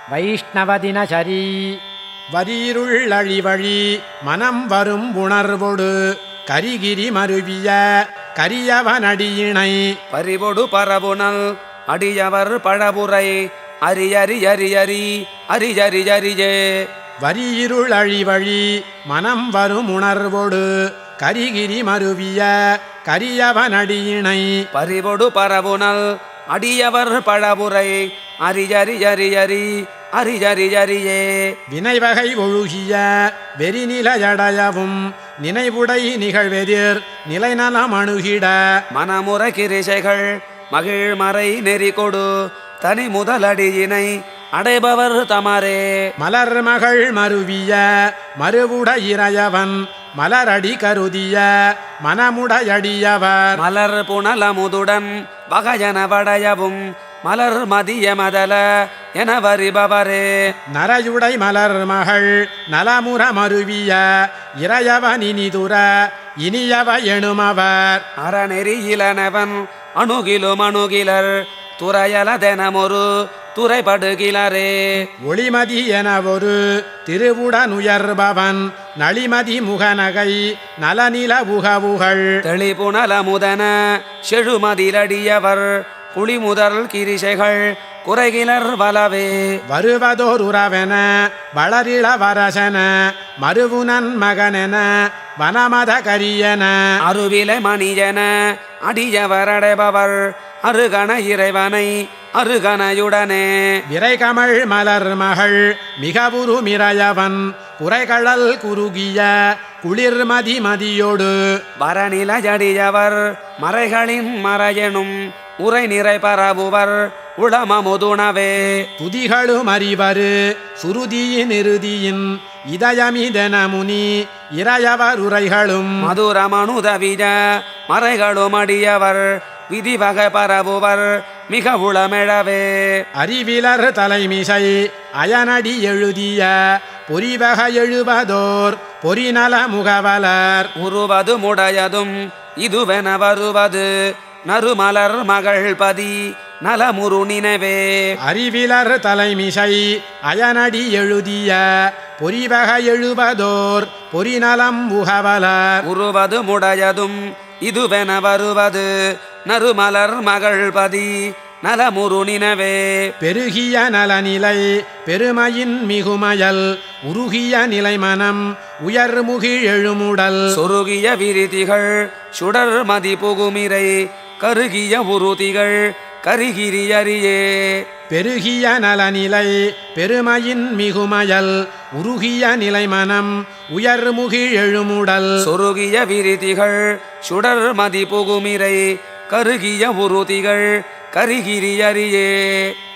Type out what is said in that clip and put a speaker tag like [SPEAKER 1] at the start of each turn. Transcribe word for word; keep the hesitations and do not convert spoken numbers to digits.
[SPEAKER 1] வைஷ்ணவதினசரி
[SPEAKER 2] வரீருள்ளழிவழி மனம் வரும் உணர்வொடு கரிகிரி மருவிய கரியவனடியினை
[SPEAKER 3] பறிவொடு பரவுணல் அடியவர் பழபுரை அரியரியரியரி அரிஜரிஜரிஜே
[SPEAKER 2] வரீருளழிவழி மனம் வரும் உணர்வொடு கரிகிரி மருவிய கரியவனடியினை
[SPEAKER 3] பறிவொடு பரவுணல் அடியவர் பழபுரை அரிஜரிஜரியரி அரிஜரிஜரியே
[SPEAKER 2] வினைவகை ஒழுகிய வெறிநிலையடையவும் நினைவுடை நிகழ்வெதிர் நிலைநலம் அணுகிட
[SPEAKER 3] மனமுற கிரிசைகள் மகிழ்மறை நெறி கொடு தனி முதலடியினை அடைபவர் தமரே
[SPEAKER 2] மலர் மகள் மருவிய மறுவுட இறையவன் மலரடி கருதிய மனமுடையடியவர்
[SPEAKER 3] மலர் புனலமுதுடன் வகையன வடையவும் மலர் மதிய மதல என வரிபவரே
[SPEAKER 2] நரையுடை மலர் மகள் நலமுற மருவிய இறையவனினிதுர இனியவ எனுமவர்
[SPEAKER 3] அறநெறியிலனவன் அணுகிலும் அணுகிலர் துறையலதெனமொரு துறைபடுகிலரே
[SPEAKER 2] ஒளிமதி என ஒரு திருவுடனுயர்பவன் நளிமதி முகநகை நலநில உகவுகள்
[SPEAKER 3] தெளிபுணலமுதன செழுமதிலடியவர் குளிமுதல் கிரிசைகள் குறைகிலர் வலவே
[SPEAKER 2] வருவதோர் உறவென வளரிள வரசன மருவுனன் மகனென வனமத கரியன
[SPEAKER 3] அருவிலை மணியன அடியவரடைபவர் அருகண இறைவனை அருகணையுடனே
[SPEAKER 2] விரைகமள் மலர் மகள் மிகவுரு மிரையவன் குறைகழல் குறுகிய குளிர்மதி மதியோடு
[SPEAKER 3] வரநிலையடியவர் மறைகளின் மறையெனும் உரை நிறை பரவுவர் உளமமுதுணவே
[SPEAKER 2] துதிகளும் அறிவரு சுருதியின் இறுதியின் இதயமிதென முனி இறையவர் உரைகளும்
[SPEAKER 3] மதுரமனுதவிய மறைகளும் அடியவர் விதிவகை பரவுவர் மிக உளமெழவே
[SPEAKER 2] அறிவிலர் தலைமிசை அயனடி எழுதிய பொறிவக எழுவதோர் பொறிநல முகவலர்
[SPEAKER 3] உருவது முடையதும் இதுவென வருவது நறுமலர் மகள் பதி நலமுரு நினைவே
[SPEAKER 2] அறிவிலர் தலைமிசை அயனடி எழுதிய பொறிவக எழுவதோர் பொறிநலம் முகவலர்
[SPEAKER 3] உருவது முடையதும் இதுவென வருவது நறுமலர் மகள் பதி நலமுரு நினைவே
[SPEAKER 2] பெருகிய நலநிலை பெருமையின் மிகுமயல் உருகிய நிலைமனம் உயர்முகிழ் எழுமுடல்
[SPEAKER 3] சொருகிய விரிதிகள் சுடர் மதி புகுமிரை கருகிய உருதிகள் கரிகிரியரியே
[SPEAKER 2] பெருகிய நலநிலை பெருமையின் மிகுமயல் உருகிய நிலைமனம் உயர்முகிழ் எழுமுடல்
[SPEAKER 3] சொருகிய விரிதிகள் சுடர் மதி புகுமிரை கருகிய உருதிகள் கரிகிரியரியே